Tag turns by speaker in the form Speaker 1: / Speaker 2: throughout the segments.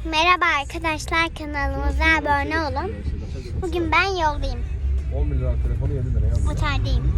Speaker 1: Merhaba arkadaşlar, kanalımıza abone olun. Bugün ben yoldayım.
Speaker 2: 10 bin lira telefonu 7 lira yazdı.
Speaker 1: Otardayım.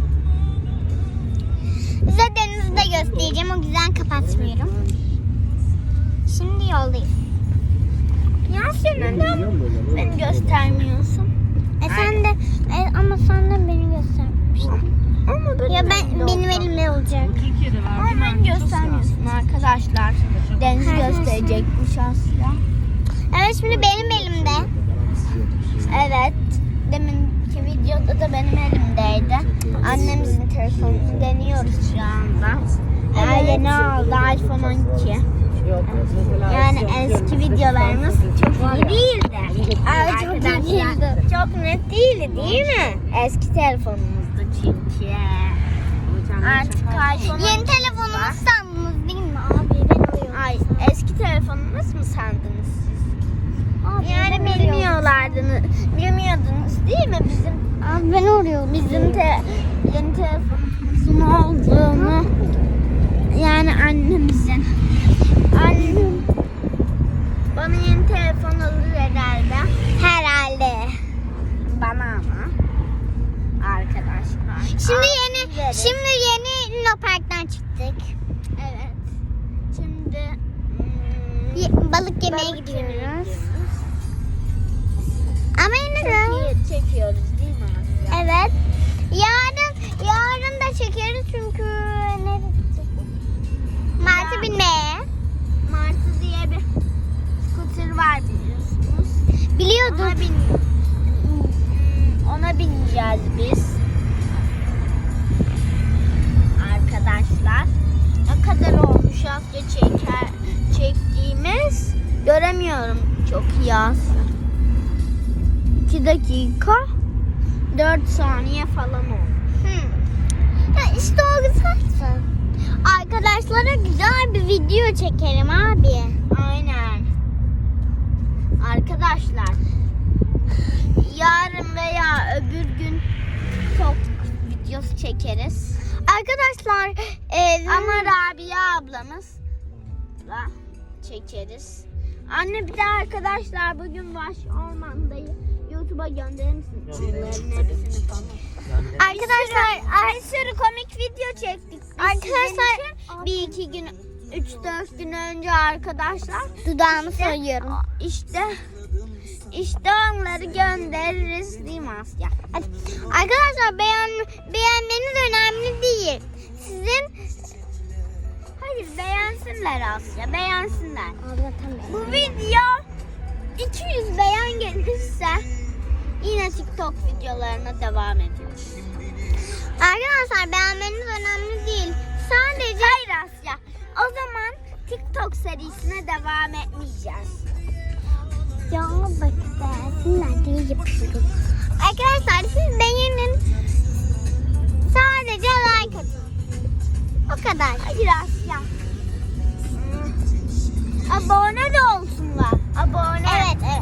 Speaker 1: Size denizi de göstereceğim. O yüzden kapatmıyorum. Şimdi yoldayım. Ya sen neden beni göstermiyorsun? Sen de ama sen de beni göstermiştin. Ya benim elimde olacak.
Speaker 3: Ama ben göstermiyorsun arkadaşlar. Deniz gösterecekmiş Asya.
Speaker 1: Evet, şimdi benim elimde.
Speaker 3: Evet. Deminki videoda da benim elimdeydi. Annemizin telefonunu deniyoruz şu anda. Yeni aldı iPhone 12. Yani eski videolarımız çok iyi değildi. Arkadaşlar çok net değildi değil mi? Eski telefonumuzdu çünkü. Artık iPhone
Speaker 1: Yeni telefonumuz sandınız değil mi abi? Ben alıyorum.
Speaker 3: Ay, eski telefonunuz mu sandınız siz?
Speaker 1: Abi,
Speaker 3: Yani
Speaker 1: ben
Speaker 3: bilmiyordunuz değil mi bizim
Speaker 1: Abi ben arıyorum.
Speaker 3: yeni telefonumuzun olduğunu? Yani annemizin. Annem bana yeni telefon alır herhalde.
Speaker 1: Herhalde.
Speaker 3: Bana ama. Arkadaşlar.
Speaker 1: Şimdi yeni Luna Park'tan çıktık.
Speaker 3: Evet. Şimdi
Speaker 1: Balık yemeye gidiyoruz. Ama yine de.
Speaker 3: çekiyoruz değil mi Asya?
Speaker 1: Evet. Yarın da çekeriz çünkü nereye gideceğiz? Martı binmeye.
Speaker 3: Martı diye bir scooter var biliyorsunuz.
Speaker 1: Biliyordum.
Speaker 3: Ona bineceğiz biz. Arkadaşlar. Ne kadar olmuş Asya çektiğimiz? Göremiyorum çok iyi Asya. 2 dakika 4 saniye falan oldu.
Speaker 1: Ya işte o güzel. Arkadaşlara güzel bir video çekelim abi.
Speaker 3: Aynen. Arkadaşlar yarın veya öbür gün çok videosu çekeriz.
Speaker 1: Arkadaşlar
Speaker 3: Ama Rabia ablamız da çekeriz. Anne bir de arkadaşlar bugün Vaş Orman'dayı YouTube'a gönderir misin? Bunların hepsini falan.
Speaker 1: arkadaşlar
Speaker 3: Bir sürü komik video çektik. Biz
Speaker 1: Arkadaşlar,
Speaker 3: sizin için 1-2 gün 3-4 gün önce arkadaşlar
Speaker 1: dudağımı soyuyorum.
Speaker 3: işte onları göndeririz değil mi Asya?
Speaker 1: Hadi. Arkadaşlar beğenmeniz önemli değil.
Speaker 3: Hayır beğensinler Asya beğensinler.
Speaker 1: Anlatamıyorum.
Speaker 3: Bu video 200 beğen gelirse yine TikTok videolarına devam ediyoruz.
Speaker 1: Arkadaşlar beğenmeniz önemli değil. Sadece
Speaker 3: Hayır Asya. O zaman TikTok serisine devam etmeyeceğiz.
Speaker 1: ya bak beğensinler diye yapıyorum. Arkadaşlar siz beğenin. Sadece like atın. O kadar.
Speaker 3: Hayır Asya. Abone de olsunlar. Abone.
Speaker 1: Evet.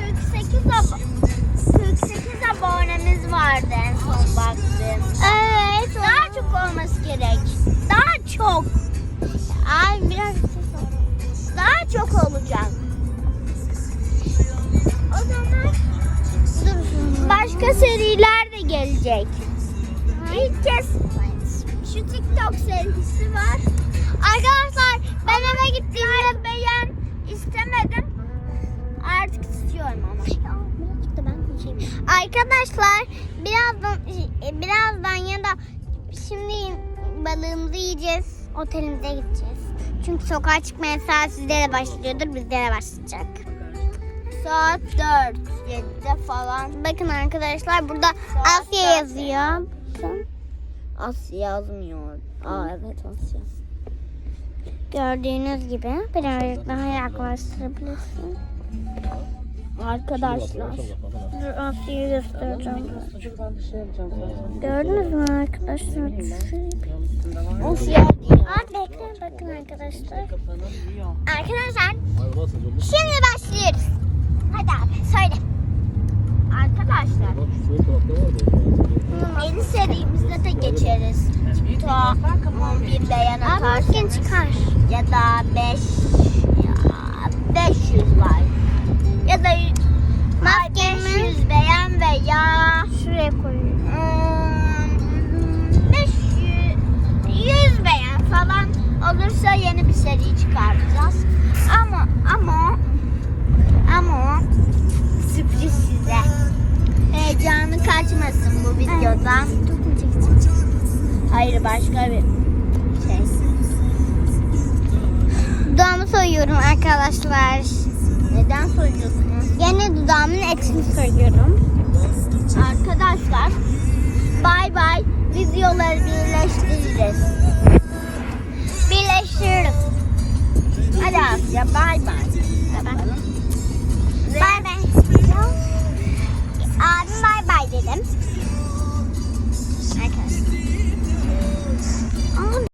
Speaker 3: 48 abonemiz vardı en son baktığımda.
Speaker 1: Evet.
Speaker 3: Daha çok olması gerek. Daha çok.
Speaker 1: Ay biraz ses oldu.
Speaker 3: Daha çok olacak. O zaman başka seriler de gelecek. İlk kez şu TikTok serisi var.
Speaker 1: Arkadaşlar ben eve gittiğimde
Speaker 3: Beğen istemedim. Artık istiyorum ama.
Speaker 1: birazcık da ben konuşayım. Arkadaşlar birazdan ya da şimdi balığımızı yiyeceğiz. Otelimize gideceğiz. Çünkü sokağa çıkma yasağı sizde de başlıyordur, bizde de başlayacak.
Speaker 3: Saat 4-7'de falan.
Speaker 1: Bakın arkadaşlar burada
Speaker 3: Saat
Speaker 1: Asya
Speaker 3: dört.
Speaker 1: yazıyor. Bakın.
Speaker 3: Asya yazmıyor. Evet Asya.
Speaker 1: Gördüğünüz gibi birazcık daha yaklaştırabilirsin.
Speaker 3: Arkadaşlar.
Speaker 1: Dur Asya'yı göstereceğim. Gördünüz mü arkadaşlar?
Speaker 3: Asya diyor.
Speaker 1: Bekleyin bakın arkadaşlar. Arkadaşlar şimdi başlıyoruz. Hadi abi söyle.
Speaker 3: Arkadaşlar. Yeni serimizde de geçeriz. Ta 11 beğen
Speaker 1: Abi bugün
Speaker 3: atarsanız
Speaker 1: çıkar.
Speaker 3: ya da 500 like. olursa yeni bir seri çıkartacağız. Ama sürpriz size. Heyecanı kaçmasın bu videodan. Hayır, başka bir şey.
Speaker 1: Dudağımı soyuyorum arkadaşlar.
Speaker 3: Neden soruyorsunuz?
Speaker 1: Yine dudağımın etini soyuyorum.
Speaker 3: Arkadaşlar bay bay, videoları birleştireceğiz.
Speaker 1: Birleştiriyorum.
Speaker 3: Hadi Asya, bay bay. Yapalım.
Speaker 1: Bay bay. Abim bay bay dedim.